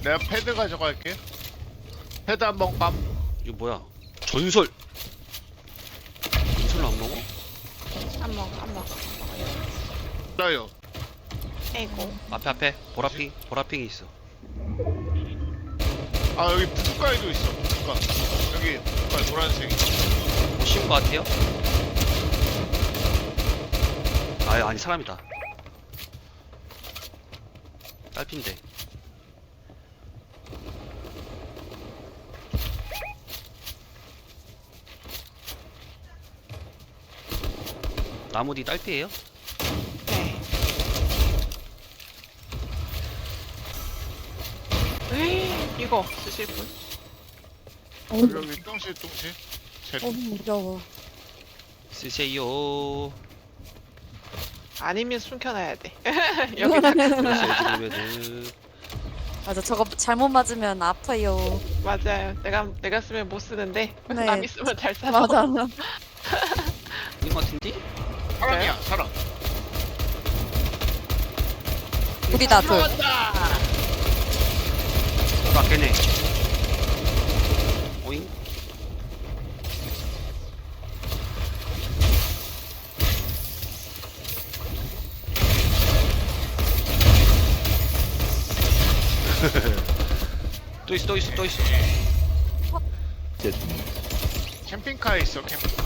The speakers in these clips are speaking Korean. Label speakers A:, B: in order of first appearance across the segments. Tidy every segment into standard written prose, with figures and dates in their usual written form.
A: 내가 패드 가져갈게. 패드 한번 감.
B: 이거 뭐야? 전설. 전설을 안 먹어?
C: 안 먹어.
A: 나요.
C: 에이고.
B: 앞에 보라핑이 있어.
A: 아 여기 부가에도 있어. 부가. 여기 부가 노란색.
B: 못 씌운 거 같아요? 아니 사람이다. 딸핀데. 나무 뒤 딸피예요?
C: 네. 에이, 이거 쓰실 분?
A: 여기 똥실.
D: 무서워.
B: 쓰세요.
C: 아니면 숨겨놔야 돼. 여기다.
B: 에드리베드.
D: 맞아, 저거 잘못 맞으면 아파요.
C: 맞아요. 내가 쓰면 못 쓰는데
D: 네.
C: 남이 쓰면 잘 살아.
D: 맞아.
B: 이거 같은데?
A: 사람이야 사람.
D: 둘이다, 둘.
C: 들어간다.
B: 맞겠네. 오잉? 또 있어.
A: 캠핑카에 있어 캠핑카.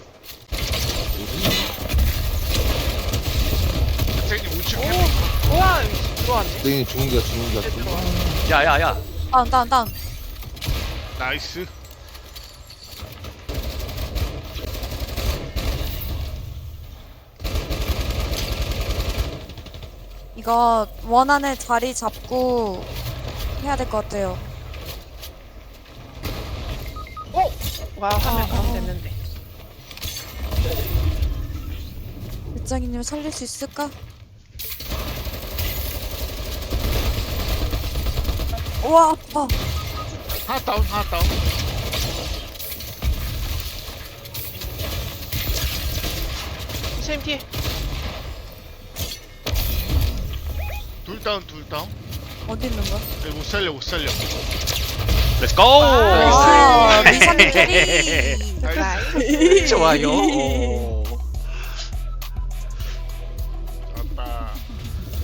A: 선생님 우측 캠핑카.
C: 우와, 들어왔네.
E: 땡이 죽은 게야.
C: 들어왔네.
B: 야야야.
D: 다운.
A: 나이스.
D: 이거 원 안에 자리 잡고 해야 될 것 같아요.
C: 와, 화면 가면 됐는데.
D: 일장이님 살릴 수 있을까? 우와, 아파.
A: 하나 다운.
C: 선생님 뒤에.
A: 둘 다운.
D: 어디 있는 거야?
A: 못 살려.
B: 렛츠고!
D: 아, 미사님 캐리.
A: 나이스.
C: 나이스.
B: 좋아요.